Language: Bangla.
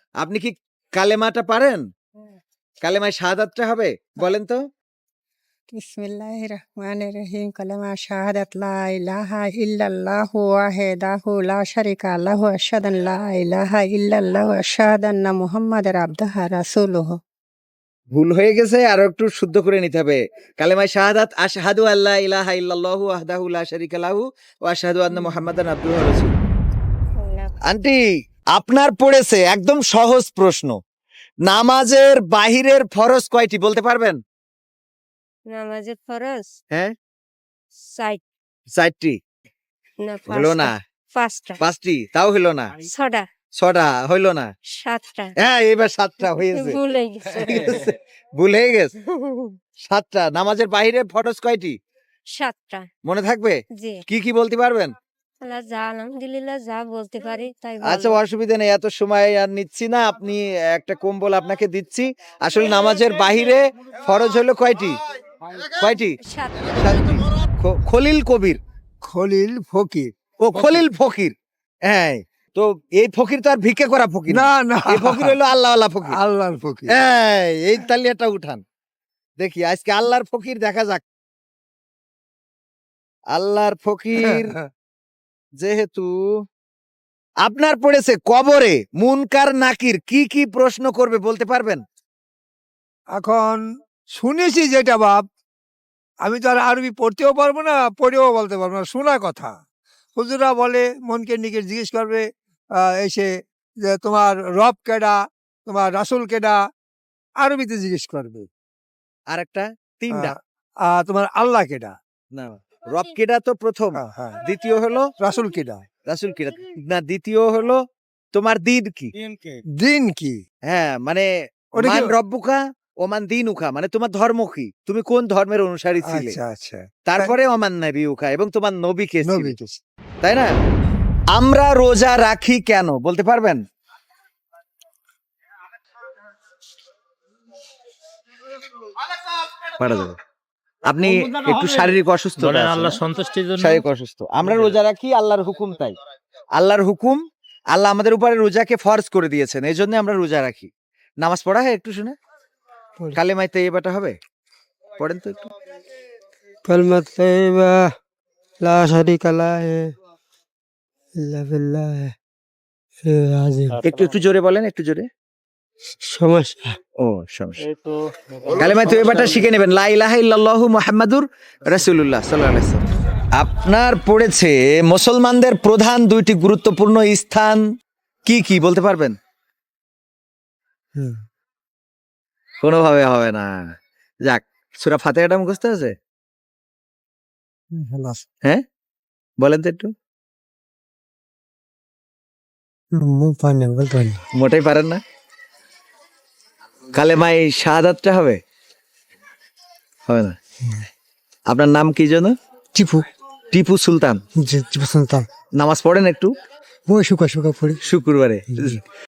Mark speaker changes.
Speaker 1: আপনি কি কালেমাটা পারেন? কালেমায় শাহাদাতটা হবে? বলেন তো।
Speaker 2: বিসমিল্লাহির রহমানির রহিম। কালেমা শাহাদাত লা ইলাহা ইল্লাল্লাহু ওয়াহদাহু লা শারিকা লাহু আশহাদু আন লা ইলাহা ইল্লাল্লাহু আশহাদু আন্না মুহাম্মাদার আবদুহু ওয়া রাসূলুহু।
Speaker 1: ভুল হয়ে গেছে, আরো একটু শুদ্ধ করে নিতে হবে। কালেমায় শাহাদাত আশহাদু আল্লা ইলাহা ইল্লাল্লাহু ওয়াহদাহু লা শারিকা লাহু ওয়া আশহাদু আন্না মুহাম্মাদান আবদুহু ওয়া রাসূলুহু। আন্টি, আপনার পড়েছে একদম সহজ প্রশ্ন। নামাজের বাহিরের ফরজ কয়টি বলতে পারবেন?
Speaker 2: নামাজের ফরজ
Speaker 1: হ্যাঁ,
Speaker 2: সাইট
Speaker 1: চারটি।
Speaker 2: না
Speaker 1: হলো না।
Speaker 2: পাঁচটা,
Speaker 1: পাঁচটি, তাও হলো না।
Speaker 2: ছটা,
Speaker 1: ছটা হইলো না।
Speaker 2: সাতটা।
Speaker 1: হ্যাঁ, এবার সাতটা হয়েছে।
Speaker 2: ভুলে গেছে।
Speaker 1: ভুল হয়ে গেছে। সাতটা। নামাজের বাহিরে ফরজ কয়টি
Speaker 2: সাতটা।
Speaker 1: মনে থাকবে?
Speaker 2: জি।
Speaker 1: কি কি বলতে পারবেন?
Speaker 2: আল্লাহ যা আলহামদুলিল্লাহ যা বলতে পারি তাই
Speaker 1: আচ্ছা, অসুবিধা নেই, এত সময় আর নিচ্ছি না। আপনি একটা কম্বল আপনাকে দিচ্ছি। আসলে নামাজের বাহিরে ফরজ হলো কয়টি? কয়টি?
Speaker 2: সাতটা।
Speaker 1: সাতটি। খলিল কবির।
Speaker 3: খলিল ফকির।
Speaker 1: ও খলিল ফকির। হ্যাঁ, তো এই ফকির তো আর ভিক্ষে করা ফকির
Speaker 3: না না,
Speaker 1: এই ফকির হলো আল্লাহওয়ালা ফকির।
Speaker 3: আল্লাহর ফকির।
Speaker 1: এই তালিয়াটা উঠান দেখি আজকে আল্লাহর ফকির দেখা যাক। আল্লাহর ফকির যেহেতু আপনার পড়েছে কবরে মুনকার নাকির কি কি প্রশ্ন করবে বলতে পারবেন?
Speaker 3: এখন শুনেছি যেটা বাপ, আমি তো আর আরবি পড়তেও পারবো না, পড়েও বলতে পারবো না, শোনা কথা। হুজুরা বলে মনকে নিকে জিজ্ঞেস করবে এসে যে তোমার রব কেডা, তোমার রাসূল কেডা, আরবিতে জিজ্ঞেস করবে।
Speaker 1: আর একটা তিনটা
Speaker 3: তোমার আল্লাহ কেডা।
Speaker 1: না, রব কেডা তো প্রথম।
Speaker 3: হ্যাঁ,
Speaker 1: দ্বিতীয় হলো
Speaker 3: রাসূল কেডা।
Speaker 1: রাসূল কেডা। না, দ্বিতীয় হলো তোমার দিন কি।
Speaker 3: দিন কি?
Speaker 1: হ্যাঁ, মানে
Speaker 3: ওটা কি?
Speaker 1: মান রব্বুকা ওমান দিনুকা, মানে তোমার ধর্ম কি, তুমি কোন ধর্মের অনুসারী ছিলে।
Speaker 3: আচ্ছা আচ্ছা।
Speaker 1: তারপরে ওমান নবিউকা, এবং তোমার নবী কে ছিল,
Speaker 3: নবী কে?
Speaker 1: তাই না? আমরা রোজা রাখি কেন বলতে পারবেন? পারা যাবে। আপনি একটু শারীরিক অসুস্থ,
Speaker 4: বলেন আল্লাহ সন্তুষ্টির জন্য।
Speaker 1: শারীরিক অসুস্থ। আমরা রোজা রাখি আল্লাহর হুকুম, তাই আল্লাহর হুকুম, আল্লাহ আমাদের উপরে রোজাকে ফরজ করে দিয়েছেন, এই জন্য আমরা রোজা রাখি। নামাজ পড়া হয় একটু শুনে, কালেমায় তাইয়্যিবাটা হবে, পড়েন তো একটু।
Speaker 3: কালিমাত তাইয়্যিবা লা শারিকা লাহু ইল্লা বিল্লাহ আজিম।
Speaker 1: একটু একটু জোরে বলেন, একটু জোরে।
Speaker 3: সমস্যা।
Speaker 1: ও, সমস্যা। কালেমায়ে তাইয়্যিবাটা শিখে নেবেন, লা ইলাহা ইল্লাল্লাহু মুহাম্মাদুর রাসূলুল্লাহ সাল্লাল্লাহু আলাইহি ওয়াসাল্লাম। আপনার পড়েছে মুসলমানদের প্রধান দুইটি গুরুত্বপূর্ণ স্থান কি কি বলতে পারবেন? কোনোভাবে হবে না। যাক, সূরা ফাতিহাটা মুখস্থ আছে? হ্যাঁ, বলেন তো একটু। মোটেই পারেন না? কালেমায়ে শাহাদাতটা হবে? হবে না। আপনার নাম কি যেন?
Speaker 3: টিপু।
Speaker 1: টিপু সুলতান।
Speaker 3: টিপু সুলতান।
Speaker 1: নামাজ পড়েন একটু?
Speaker 3: শুকা পড়ি
Speaker 1: শুক্রবারে।